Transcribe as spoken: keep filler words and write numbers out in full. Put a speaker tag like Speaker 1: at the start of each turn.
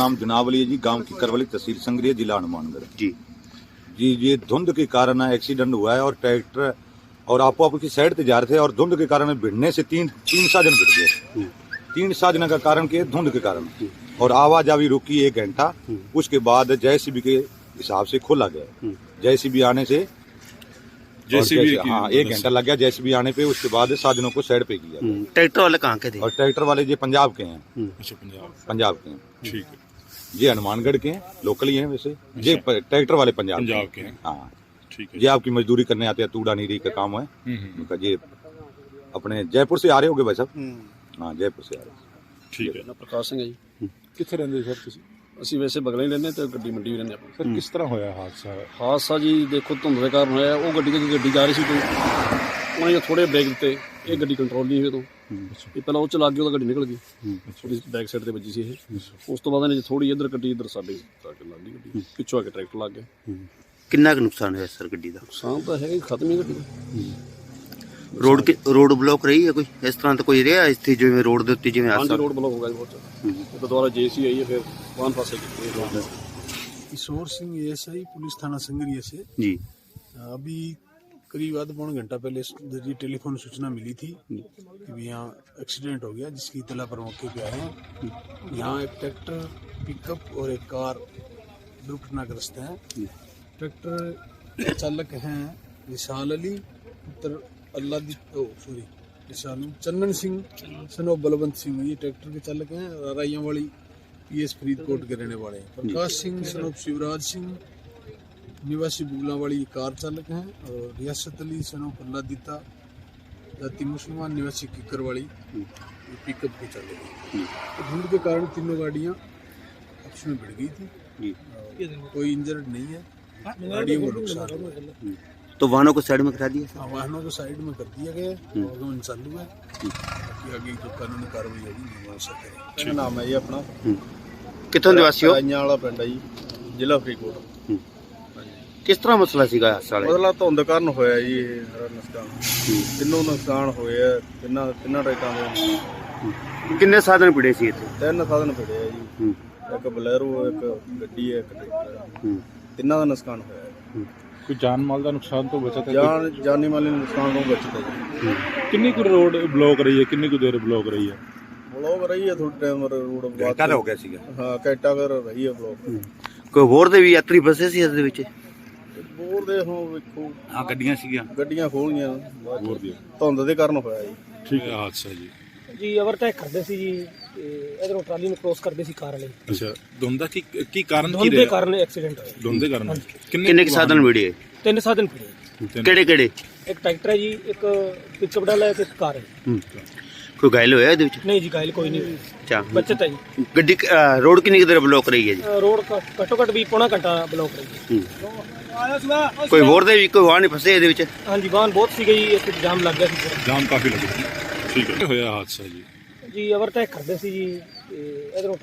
Speaker 1: नाम जनावली है जी, गांव की करवली, तहसील संगरिया, जिला हनुमानगढ़
Speaker 2: जी
Speaker 1: जी। ये धुंध के कारण एक्सीडेंट हुआ है और ट्रैक्टर और आपो आपकी साइड से जा रहे थे और धुंध के कारण भिड़ने से तीन तीन साधन भिड़ गए। तीन साधन का कारण के धुंध के कारण और आवाजावी रुकी एक घंटा। उसके बाद जेसीबी के हिसाब से खोला गया। जेसीबी आने से जेसीबी हाँ एक घंटा लग गया जेसीबी आने पे। उसके बाद साधनों को साइड पे किया।
Speaker 2: ट्रैक्टर वाले कहाँ के थे? और
Speaker 1: ट्रैक्टर वाले ये पंजाब के हैं।
Speaker 3: अच्छा, पंजाब
Speaker 1: पंजाब के हैं।
Speaker 3: ठीक है।
Speaker 1: ये हनुमानगढ़ के हैं, लोकल ही हैं वैसे। ये ट्रैक्टर वाले पंजाब
Speaker 3: पंजाब के हैं।
Speaker 1: हाँ
Speaker 3: ठीक है।
Speaker 1: ये आपकी मजदूरी करने आते हैं, तूड़ा नीरी का काम है उनका। ये अपने जयपुर से आ रहे होगे भाई साहब? हाँ जयपुर से आ रहे।
Speaker 3: ठीक है।
Speaker 4: प्रकाश सिंह है जी।
Speaker 3: ਕਿੱਥੇ ਰਹਿੰਦੇ ਸਰ ਤੁਸੀਂ?
Speaker 4: ਅਸੀਂ ਵੈਸੇ ਬਗਲੇ ਹੀ ਰਹਿੰਦੇ ਤੇ ਗੱਡੀ ਮੰਡੀ ਵੀ ਰਹਿੰਦੇ ਆਪਾਂ।
Speaker 3: ਸਰ ਕਿਸ ਤਰ੍ਹਾਂ ਹੋਇਆ ਹਾਦਸਾ?
Speaker 4: ਹਾਦਸਾ ਜੀ ਦੇਖੋ ਧੁੰਦ ਦੇ ਕਾਰਨ ਹੋਇਆ। ਉਹ ਗੱਡੀ ਦੀ ਗੱਡੀ ਜਾ ਰਹੀ ਸੀ ਤੋਂ ਉਹਨੇ ਥੋੜੇ ਬ੍ਰੇਕ ਦਿੱਤੇ, ਇਹ ਗੱਡੀ ਕੰਟਰੋਲ ਨਹੀਂ ਹੋਈ ਤੋਂ ਇਹ ਪਹਿਲਾਂ ਉਹ ਚਲਾ ਗਿਆ, ਉਹਦਾ ਗੱਡੀ ਨਿਕਲ ਗਈ। ਉਹਦੀ ਬੈਕ ਸਾਈਡ ਤੇ ਵੱਜੀ ਸੀ ਇਹ। ਉਸ ਤੋਂ ਬਾਅਦ ਇਹਨੇ ਥੋੜੀ ਇੱਧਰ ਕੱਢੀ, ਇੱਧਰ ਸਾਡੇ ਆ ਕੇ ਲੱਗ ਗਈ ਗੱਡੀ, ਪਿੱਛੋਂ ਆ ਕੇ ਟਰੈਕਟਰ ਲੱਗ ਗਿਆ।
Speaker 2: ਕਿੰਨਾ ਕੁ ਨੁਕਸਾਨ ਹੋਇਆ ਸਰ ਗੱਡੀ ਦਾ?
Speaker 4: ਨੁਕਸਾਨ ਤਾਂ ਹੈਗਾ ਹੀ, ਖਤਮ ਹੀ ਗੱਡੀ ਦਾ।
Speaker 2: ਰੋਡ ਕਿ ਰੋਡ ਬਲੌਕ ਰਹੀ ਹੈ ਕੋਈ ਇਸ ਤਰ੍ਹਾਂ ਤਾਂ ਕੋਈ ਰਿਹਾ ਇੱਥੇ ਜਿਵੇਂ ਰੋਡ ਦੇ ਉੱਤੇ ਜਿਵੇਂ
Speaker 4: ਹਾਂਜੀ
Speaker 2: ਹਾਦਸਾ?
Speaker 4: ਰੋਡ ਬਲੌਕ ਹੋ ਗਿਆ ਜੀ ਬਹੁਤ ਜ਼ਿਆਦਾ। तो दोबारा जेसी आई है, फिर वाहन पास
Speaker 5: किशोर सिंह एएसआई पुलिस थाना संगरिया से
Speaker 2: जी।
Speaker 5: अभी करीब आधा पौन घंटा पहले जी टेलीफोन सूचना मिली थी कि भी यहाँ एक्सीडेंट हो गया, जिसकी इतला पर मौके पे आए हैं। यहाँ एक ट्रैक्टर, पिकअप और एक कार दुर्घटनाग्रस्त है। ट्रैक्टर चालक हैं विशाल अली पुत्र अल्लाह सॉरी चंदन सिंह सनो बलवंत सिंह, ये ट्रैक्टर के चालक हैं। राइयां वाली पीएस फरीदकोट के रहने वाले हैं। प्रकाश सिंह सनो शिवराज सिंह निवासी बुगलावाड़ी कार चालक हैं। और रियासत अली सनो प्रहलादिता जाति मुसलमान निवासी किकरवाड़ी पिकअप के चालक हैं। तो धुंध के कारण तीनों गाड़ियाँ आपस में भिड़ गई थी। कोई इंजर्ड नहीं है, गाड़ियों को नुकसान हुआ।
Speaker 2: तो वाहनों को साइड में करा दिया?
Speaker 5: हाँ, वाहनों को साइड में कर दिया गया है। आगमन चालू है, बाकी आगे जो कानूनी कार्रवाई होगी वो सब करेंगे।
Speaker 4: मेरा नाम है जी अपना
Speaker 2: कितों निवासी हो?
Speaker 4: ਰਾਈਆਂ ਵਾਲਾ ਪਿੰਡ ਹੈ ਜੀ, ਜ਼ਿਲ੍ਹਾ ਫਰੀਦਕੋਟ।
Speaker 2: ਕਿਸ ਤਰ੍ਹਾਂ ਮਸਲਾ ਸੀਗਾ ਹਾਦਸਾ ਵਾਲਾ?
Speaker 4: ਮਤਲਬ ਧੁੰਦ ਕਾਰਨ ਹੋਇਆ ਜੀ ਇਹ ਸਾਰਾ ਨੁਕਸਾਨ। ਤਿੰਨੋਂ ਨੁਕਸਾਨ ਹੋਏ ਆ, ਤਿੰਨਾਂ ਤਿੰਨਾਂ ਟਰੈਕਾਂ ਦੇ।
Speaker 2: ਕਿੰਨੇ ਸਾਧਨ ਪਿੜੇ ਸੀ ਇੱਥੇ?
Speaker 4: ਤਿੰਨ ਸਾਧਨ ਫਿੜੇ ਆ ਜੀ, ਇੱਕ ਬਲੈਰੋ, ਇੱਕ ਗੱਡੀ ਹੈ, ਇੱਕ ਟਰੈਕਟਰ। ਤਿੰਨਾਂ ਦਾ ਨੁਕਸਾਨ ਹੋਇਆ ਹੈ।
Speaker 3: ਕੋਈ ਜਾਨ ਮਾਲ ਦਾ ਨੁਕਸਾਨ ਤੋਂ ਬਚਾ ਤਾਂ?
Speaker 4: ਜਾਨ ਜਾਨੀ ਮਾਲੀ ਨੁਕਸਾਨ ਤੋਂ ਬਚਦਾ ਜੀ।
Speaker 3: ਕਿੰਨੀ ਕੁ ਰੋਡ ਬਲੌਕ ਰਹੀ ਹੈ? ਕਿੰਨੀ ਕੁ ਦੇਰ ਬਲੌਕ ਰਹੀ ਹੈ?
Speaker 4: ਬਲੌਕ ਰਹੀ ਹੈ ਥੋੜੀ ਟਾਈਮ ਰੋਡ
Speaker 1: ਘੰਟਾ ਹੋ ਗਿਆ ਸੀਗਾ।
Speaker 4: ਹਾਂ ਘੰਟਾ ਕਰ ਰਹੀ ਹੈ ਬਲੌਕ।
Speaker 2: ਕੋਈ ਹੋਰ ਦੇ ਵੀ ਯਾਤਰੀ ਫਸੇ ਸੀ ਇਸ ਦੇ ਵਿੱਚ?
Speaker 4: ਬੋਰ ਦੇ ਹੋ ਵੇਖੋ
Speaker 1: हाँ गड्डियां सीगियां
Speaker 4: ਗੱਡੀਆਂ ਖੋਲੀਆਂ
Speaker 3: ਹੋਰ ਦੀ
Speaker 4: ਧੁੰਦ ਦੇ ਕਾਰਨ ਹੋਇਆ ਜੀ।
Speaker 3: ਠੀਕ ਹੈ ਹਾਦਸਾ ਜੀ।
Speaker 6: ਜੀ ਓਵਰਟੇਕ ਕਰਦੇ ਸੀ ਜੀ, ਇਧਰੋਂ ਟਰਾਲੀ ਨੂੰ ਕ੍ਰੋਸ ਕਰਦੇ ਸੀ ਕਾਰ ਵਾਲੇ।
Speaker 3: ਅੱਛਾ, ਧੁੰਦ ਦਾ ਕੀ ਕੀ ਕਾਰਨ ਕੀ
Speaker 6: ਧੁੰਦ ਦੇ
Speaker 3: ਰਿਹਾ?
Speaker 6: ਕਾਰਨ ਐਕਸੀਡੈਂਟ ਹੋਇਆ।
Speaker 3: ਧੁੰਦ ਦੇ ਕਾਰਨ
Speaker 2: ਕਿੰਨੇ ਕੁ ਸਾਧਨ ਮਿਲੇ?
Speaker 6: ਤਿੰਨ ਸਾਧਨ ਫਿਰੇ।
Speaker 2: ਕਿਹੜੇ ਕਿਹੜੇ?
Speaker 6: ਇੱਕ ਟਰੈਕਟਰ ਹੈ ਜੀ, ਇੱਕ ਪਿਕਅਪ ਡਾਲਾ ਹੈ ਤੇ ਇੱਕ ਕਾਰ ਹੈ।
Speaker 2: ਕੋਈ ਘਾਇਲ ਹੋਇਆ ਇਹਦੇ ਵਿੱਚ?
Speaker 6: ਨਹੀਂ ਜੀ ਘਾਇਲ ਕੋਈ ਨਹੀਂ,
Speaker 2: ਅੱਛਾ,
Speaker 6: ਬਚਤ ਹੈ ਜੀ।
Speaker 2: ਗੱਡੀ ਅ, ਰੋਡ ਕਿੰਨੀ ਕੁ ਦੇਰ ਬਲੌਕ ਰਹੀ ਹੈ ਜੀ?
Speaker 6: ਅ, ਰੋਡ ਘ- ਘੱਟੋ ਘੱਟ ਵੀ ਪੌਣਾ ਘੰਟਾ ਬਲੌਕ ਰਹੀ ਹੈ।
Speaker 2: ਕੋਈ ਹੋਰ ਦੇ ਵੀ ਕੋਈ ਵਾਹਨ ਨਹੀਂ ਫਸੇ ਇਹਦੇ ਵਿੱਚ?
Speaker 6: ਹਾਂਜੀ ਵਾਹਨ ਬਹੁਤ ਸੀਗੇ ਜੀ, ਇੱਥੇ ਜਾਮ ਲੱਗ ਗਿਆ ਸੀ ਪੂਰਾ।
Speaker 3: ਜਾਮ ਕਾਫੀ ਲੱਗਿਆ। ਠੀਕ ਹੈ। ਹੋਇਆ ਹਾਦਸਾ ਜੀ।
Speaker 6: ਜੀ ਓਵਰਟੇਕ ਕਰਦੇ ਸੀ ਜੀ, ਇਧਰੋਂ